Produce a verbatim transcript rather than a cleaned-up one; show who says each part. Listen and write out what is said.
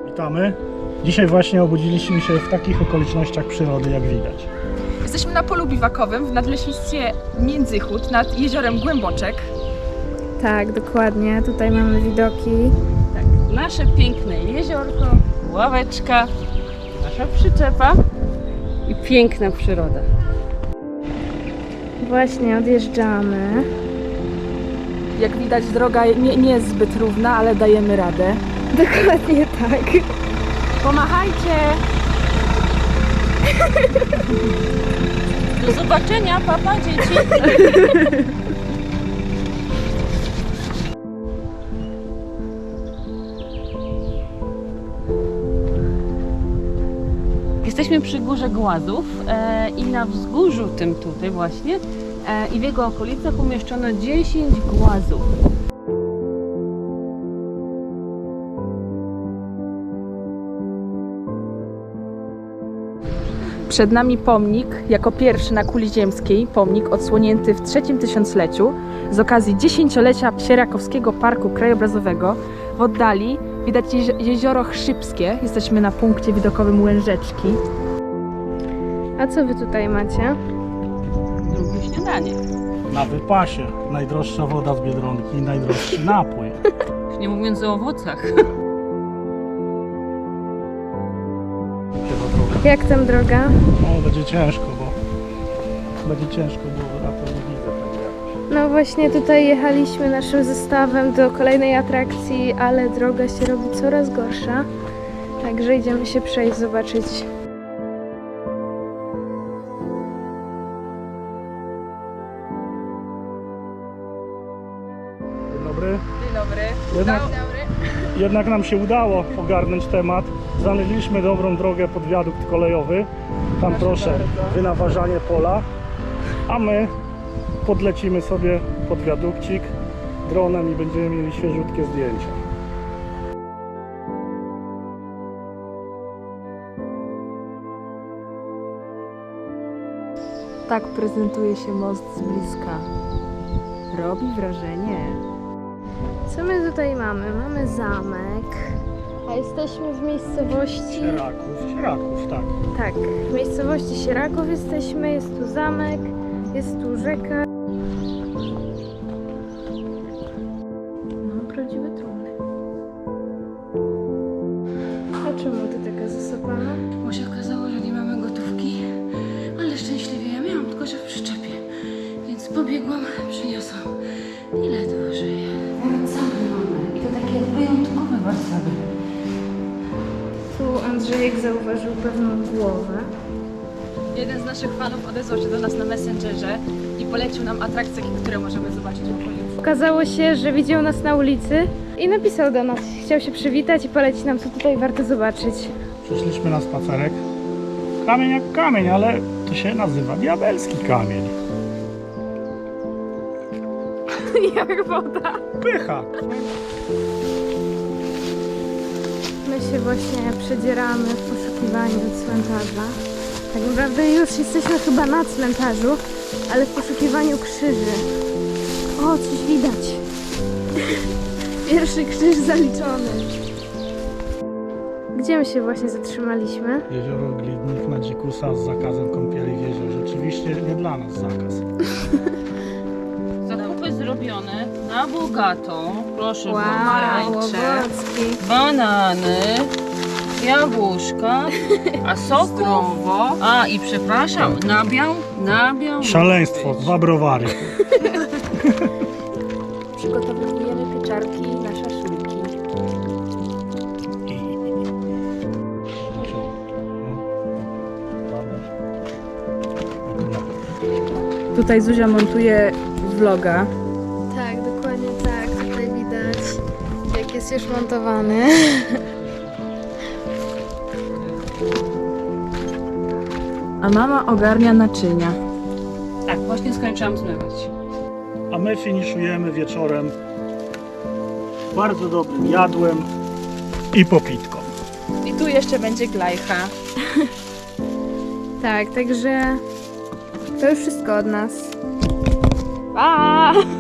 Speaker 1: Witamy. Dzisiaj właśnie obudziliśmy się w takich okolicznościach przyrody, jak widać.
Speaker 2: Jesteśmy na polu biwakowym w nadleśnictwie Międzychód nad jeziorem Głęboczek.
Speaker 3: Tak, dokładnie. Tutaj mamy widoki.
Speaker 4: Tak, nasze piękne jeziorko, ławeczka, nasza przyczepa i piękna przyroda.
Speaker 3: Właśnie odjeżdżamy.
Speaker 2: Jak widać, droga nie, nie jest zbyt równa, ale dajemy radę.
Speaker 3: Dokładnie tak.
Speaker 2: Pomachajcie!
Speaker 4: Do zobaczenia, papa, dzieci! Jesteśmy przy Górze Głazów e, i na wzgórzu tym tutaj właśnie e, i w jego okolicach umieszczono dziesięć głazów.
Speaker 2: Przed nami pomnik, jako pierwszy na kuli ziemskiej, pomnik odsłonięty w trzecim tysiącleciu z okazji dziesięciolecia Sierakowskiego Parku Krajobrazowego. W oddali widać jezi- jezioro Chrzybskie. Jesteśmy na punkcie widokowym Łężeczki.
Speaker 3: A co wy tutaj macie?
Speaker 4: Drugie śniadanie.
Speaker 1: Na wypasie najdroższa woda z Biedronki i najdroższy napój.
Speaker 4: Już nie mówiąc o owocach.
Speaker 3: Jak tam droga?
Speaker 1: O, będzie ciężko, bo będzie ciężko, bo ja to nie widzę tego jakoś.
Speaker 3: No właśnie tutaj jechaliśmy naszym zestawem do kolejnej atrakcji, ale droga się robi coraz gorsza. Także idziemy się przejść, zobaczyć.
Speaker 1: Dzień dobry.
Speaker 2: Dzień dobry.
Speaker 1: Jednak, jednak nam się udało ogarnąć temat. Znaleźliśmy dobrą drogę pod wiadukt kolejowy. Tam proszę, wynaważanie pola. A my podlecimy sobie pod wiadukcik dronem i będziemy mieli świeżutkie zdjęcia.
Speaker 2: Tak prezentuje się most z bliska. Robi wrażenie.
Speaker 3: Co my tutaj mamy? Mamy zamek, a jesteśmy w miejscowości...
Speaker 1: Sieraków, Sieraków, tak.
Speaker 3: Tak, w miejscowości Sieraków jesteśmy, jest tu zamek, jest tu rzeka. No, prawdziwe trumny. A czemu ty taka zasypana?
Speaker 4: Bo się okazało, że nie mamy gotówki, ale szczęśliwie ja miałam tylko, że w przyczepie. Więc pobiegłam, przyniosłam. Ile to żyje? Warcaby mamy i to takie wyjątkowe warcaby.
Speaker 3: Tu Andrzejek zauważył pewną głowę.
Speaker 2: Jeden z naszych fanów odezwał się do nas na Messengerze i polecił nam atrakcje, które możemy zobaczyć w okolicy.
Speaker 3: Okazało się, że widział nas na ulicy i napisał do nas. Chciał się przywitać i polecić nam, co tutaj warto zobaczyć.
Speaker 1: Przyszliśmy na spacerek. Kamień jak kamień, ale to się nazywa diabelski kamień.
Speaker 3: Jak woda.
Speaker 1: Pycha.
Speaker 3: My się właśnie przedzieramy w poszukiwaniu cmentarza. Tak naprawdę już jesteśmy chyba na cmentarzu, ale w poszukiwaniu krzyży. O, coś widać. Pierwszy krzyż zaliczony. Gdzie my się właśnie zatrzymaliśmy?
Speaker 1: Jezioro Glidnik na dzikusa z zakazem kąpieli w jeziorze. Rzeczywiście nie dla nas zakaz.
Speaker 4: Zakupy zrobione na bogato. Proszę,
Speaker 3: Wow,
Speaker 4: pomarańcze,
Speaker 3: Łowocki.
Speaker 4: banany, jabłuszka, a sok zdrowo. A i przepraszam, nabiał, nabiał.
Speaker 1: Szaleństwo, dwa browary.
Speaker 2: Przygotowujemy pieczarki na szaszłyki. Tutaj Zuzia montuje vloga.
Speaker 3: Tak, dokładnie tak. Tutaj widać, jak jest już montowany.
Speaker 2: A mama ogarnia naczynia.
Speaker 4: Tak, właśnie skończyłam zmywać.
Speaker 1: A my finiszujemy wieczorem bardzo dobrym jadłem i popitką.
Speaker 2: I tu jeszcze będzie glajcha.
Speaker 3: Tak, także to już wszystko od nas.
Speaker 2: Pa!